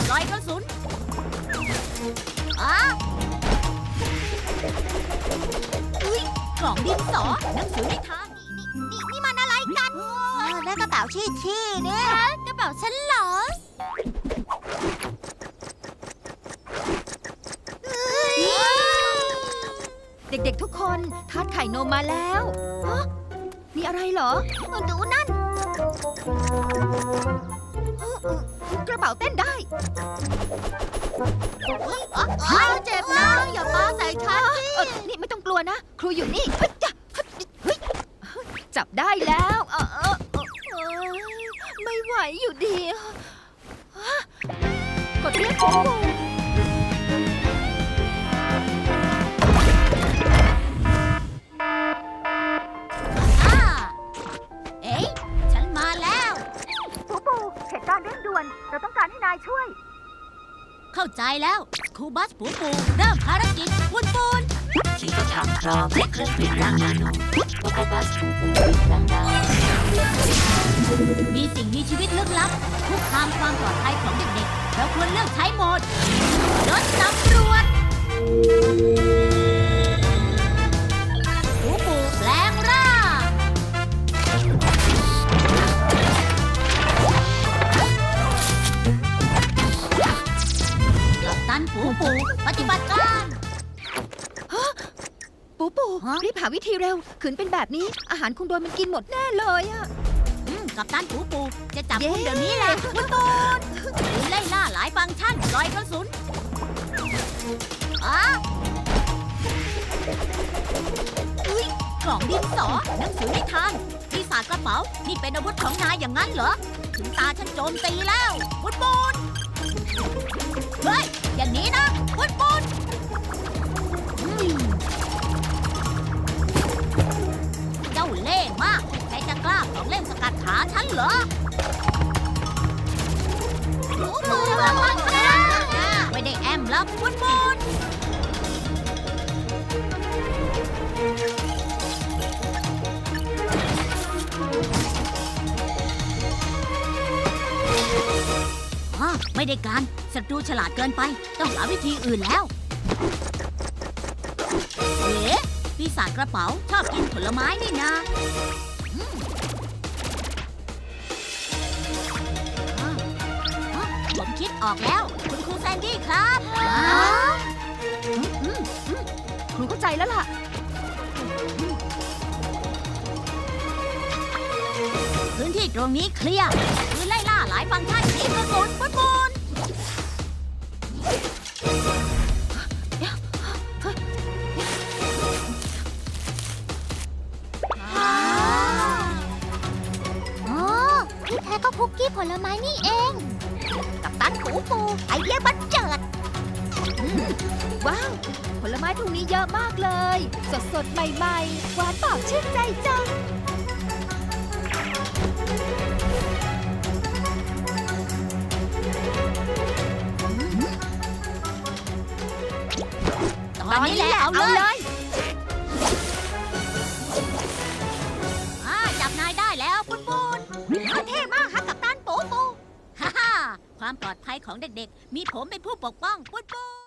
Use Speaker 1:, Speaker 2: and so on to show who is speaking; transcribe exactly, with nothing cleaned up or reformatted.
Speaker 1: ลอยกระสุนอ่ะอุ้ยกล่องดินสอหนังสือนิทานนี่นี่นี่มันอะไรกันนั่นกระเป๋าชี่ชี่เนี่ยกระเป๋าฉันเหรอ
Speaker 2: เด็กๆทุกคนทาสไข่นมมาแล้วฮะมีอะไรเหรอ
Speaker 1: ดูนั่น
Speaker 2: กระเป๋าเต้นได้
Speaker 1: อ้าวเจ็บนะอย่าปาใส่ฉันสิ
Speaker 2: นี่ไม่ต้องกลัวนะครูอยู่นี่จับได้แล้วเออเออไม่ไหวอยู่ดีกดเรียกผมเราต้องการให้นายช่วย
Speaker 1: เข้าใจแล้วครูบัสปูปูเริ่มภารกิจปุนปุน
Speaker 3: ที่จะทำครอบเล็กขึ้นเป็นร่างนาโนครูบัสปูปูเป็นร่างนา
Speaker 1: มีสิ่งมีชีวิตลึกลับคุกคามความปลอดภัยของเด็กๆเราควรเลือกใช้โหมดรถตำรวจปูปูแปลงร่างตันปูปูปฏิบัติการ
Speaker 2: ปูปูรีบหาวิธีเร็วขืนเป็นแบบนี้อาหารคงโดนมันกินหมดแน่เลยอะ
Speaker 1: กับตันปูปูจะจับคุณเดี๋ยวนี้แหละปุนปุนคุณไล่ล่าหลายฟังก์ชันลอยกระสุนอ่ะอุ้ยกล่องดินสอหนังสือนิทานปีศาจกระเป๋านี่เป็นอาวุธของนายอย่างนั้นเหรอถึงตาฉันโจมตีแล้วปุนปุนเฮ้ยอย่างนี้นะปุนปุนเจ้าเล่ห์มากใครจะกล้าของเล่นสกัดขาฉันเหรอหนูมือระวังนะไม่ได้แอมแล้วปุนปุนไม่ได้การศัตรูฉลาดเกินไปต้องหาวิธีอื่นแล้วเอ๋ปีศาจกระเป๋าชอบกินผลไม้นี่นะผมคิดออกแล้วคุณครูแซนดี้ครับ
Speaker 2: ครูเข้าใจแล้วล่ะ
Speaker 1: พื้นที่ตรงนี้เคลียร์คือไล่ล่าหลายฟังก์ชันทีมกระสุนปุนปุน
Speaker 4: ที่แท้ก็คุกกี้ผลไม้นี่เอง
Speaker 1: กับตันปูปูไอเดียบันเจิด
Speaker 2: ว้าวผลไม้ตรงนี้เยอะมากเลยสดสดใหม่ๆหวานปากชื่นใจจัง
Speaker 1: ตอนนี้แหละเอาเลยจับนายได้แล้วปุนปุนเท่มากฮะกับตันปูปูฮ่าฮ่าความปลอดภัยของเด็กๆมีผมเป็นผู้ปกป้องปุนปุน